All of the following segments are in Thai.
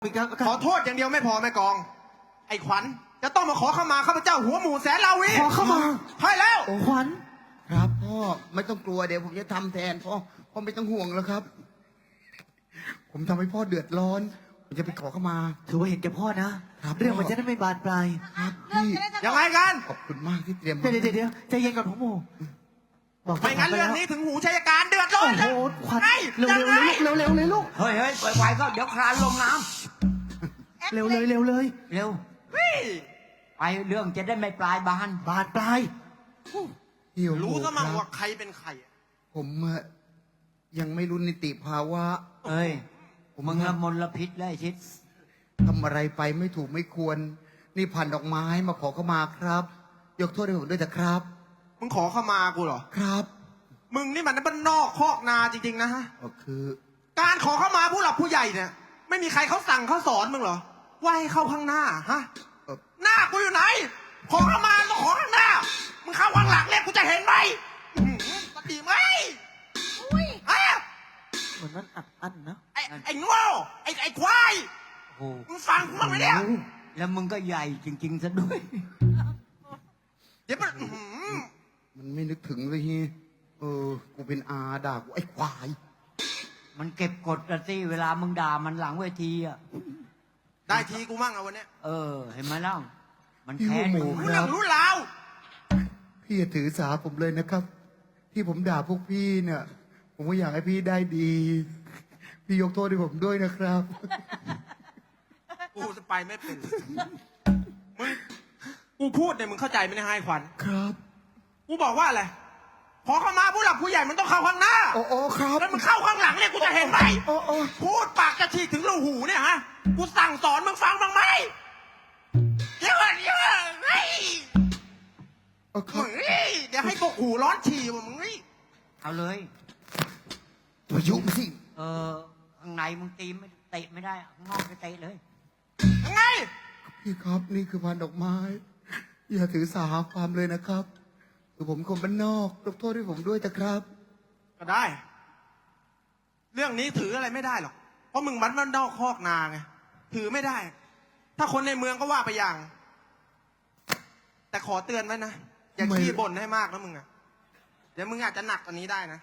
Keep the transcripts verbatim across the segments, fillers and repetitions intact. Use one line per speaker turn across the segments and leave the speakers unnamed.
อีกแล้ว
ขอโทษอย่างเดียวไม่พอแม่กอง ไอ้ขวัญจะต้องมาขอขมาข้าพเจ้าหัวหมูแสนลาวี
ขอเข้ามา
ใช่แล้ว
โอ้ขวัญ
ครับพ่อไม่ต้องกลัวเดี๋ยวผมจะทำแทนพ่อพ่อไม่ต้องห่วงแล้วครับ ผมทำให้พ่อเดือดร้อนผมจะไปขอเข้ามา
ถือว่าเห็นแก่พ่อนะครับ เรื่องมันจะได้ไม่บานปลาย
ครับพี่
ยังไงกัน
ขอบคุณมากที่เตรียมมา
เดี๋ยวเดี๋ยวเดี๋ยวใจเย็นก่อนพ่อหมูบอก
ไม่งั้นเรื่องนี้ถึงหูชัยการเดือดร้อ
โอ้
น
โห
นะ
ขวัญ
ไอ้
เร็ว
ยัง
เร็ว
ไง
เร็วเร็วเลยลูก
เฮ้ยเฮ้ยไวๆก็เดี๋ยวคลานลงน้
เร็วเลยเร็วเลย
ำเร็ว
เฮ้ย
ไปเรื่องจะได้ไม่ปลายบาน
บานปลาย
พี่โอ้โห
รู้ซะมั่ง
ครับ
ว่าใครเป็นใครอะ
ผมอะยังไม่รู้นิติภาวะ
เอ้ยมึงละมลพิษแล้วไอ้ชิด
ทำอะไรไปไม่ถูกไม่ควร นี่พันดอกไม้มาขอเข้ามาครับ ยกโทษให้ผมด้วยนะครับ
มึงขอเข้ามากูเหรอ
ครับ
มึงนี่มันบ้านนอกคอกนาจริงๆนะฮะ
ก็คือ
การขอเข้ามาผู้หลักผู้ใหญ่เนี่ย ไม่มีใครเขาสั่งเขาสอนมึงเหรอว่าให้เข้าข้างหน้าฮะ
เอ่อ
หน้ากูอยู่ไหน ขอเข้ามาต้องขอข้างหน้า มึงเข้าข้างหลังเนี่ยกูจะเห็นไหมอื้อหือปฏิไหมอุ้ยฮะ
เหมือนมันอัดอั้นนะ
ไอ้ไอ้โง่ไอ้ไอ้ควาย
โอ้โห
มึงฟังกูบ้างไหมเนี่ย
แล้วมึงก็ใหญ่จริงๆซะด้วย
เดี๋ยวมันอื้อหือ
มันไม่นึกถึงเลยฮีเออ กูเป็นอาด่ากูไอ้ควาย
มันเก็บกดกันสิเวลามึงด่ามันหลังเวทีอ่ะ
ได้ทีกูมั่งเอาวันเนี้ย
เออ เห็นไหมเล่ามัน
พี่
แค้น
หัวหมู
มึง
รู้เรื่องรู้ราว
พี่อย่าถือสาผมเลยนะครับ ที่ผมด่าพวกพี่เนี่ย ผมก็อยากให้พี่ได้ดี พี่ยกโทษให้ผมด้วยนะครับ
กูจะไปไม่เป็นมึงกูพูดเนี่ยมึงเข้าใจไหมเนี่ยให้ขวัญ
ครับ
กูบอกว่าอะไรขอเข้ามาผู้หลักผู้ใหญ่มันต้องเข้าข้างหน้า
โอ้โอ้ครับ
แล้วมึงเข้าข้างหลังเนี่ยกูจะเห็นไหม
โอ้โอ้
พูดปากจะฉีกถึงรูหูเนี่ยฮะ กูสั่งสอนมึงฟังบ้างไหมเดี๋ยวก่อนเดี๋ยวก่อนเฮ้ย
โอ้ครั
มึ
บ
งนี่เดี๋ยวให้พวกหูร้อนฉี่ว่ะมึงนี่
เอาเลย
มายุสิ
เออข้างในมึงตีไม่เตะไม่ได้ข้างนอกไปเตะเลย
ยังไง
พี่ครับนี่คือพันดอกไม้ อย่าถือสาความเลยนะครับคือผมคนบ้านนอกยกโทษให้ผมด้วยนะครับ
ก็ได้ เรื่องนี้ถืออะไรไม่ได้หรอก เพราะมึงมันมันนอกคอกนาไง ถือไม่ได้ ถ้าคนในเมืองก็ว่าไปอย่าง แต่ขอเตือนไว้นะ อย่า
ทำไม
ขี้บ่นให้มากนะมึงอะเดี๋ยวมึงอาจจะหนักกว่านี้ได้นะ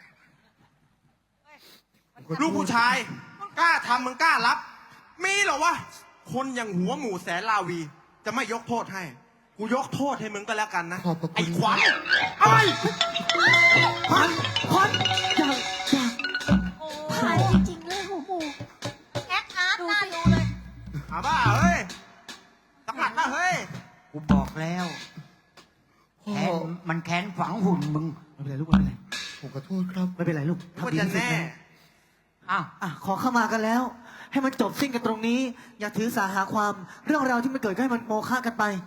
ลูกผู้ชาย กล้าทำมึงกล้ารับ มีเหรอวะ คนอย่างหัวหมูแสนลาวี จะไม่ยกโทษให้ กูยกโทษให้มึงก็แล้วกันนะ
ขอบพระคุณ
ไอ้ขวัญไอ้
ขวัญขวัญอย่าอย่า
ผ่านจริงๆเลยหูหมูแอคอาร์ตน่าดูเลย
อาบ้าเฮ้ยสักหมัดนะเฮ้ย
กูบอกแล้ว
พ่อ
แค้นมันแค้นฝังหุ่นมึง
ไม่เป็นไรลูกไม่เป็นไร
ผมขอโทษครับ
ไม่เป็นไรลูก
ว่า
ทำดี
จะ
ที่สุด
แน่
แล้ว
อ้าว
อ่ะขอเข้ามากันแล้ว ให้มันจบสิ้นกันตรงนี้ อย่าถือสาหาความเรื่องราวที่มันเกิดก็ให้มันโมฆะกันไป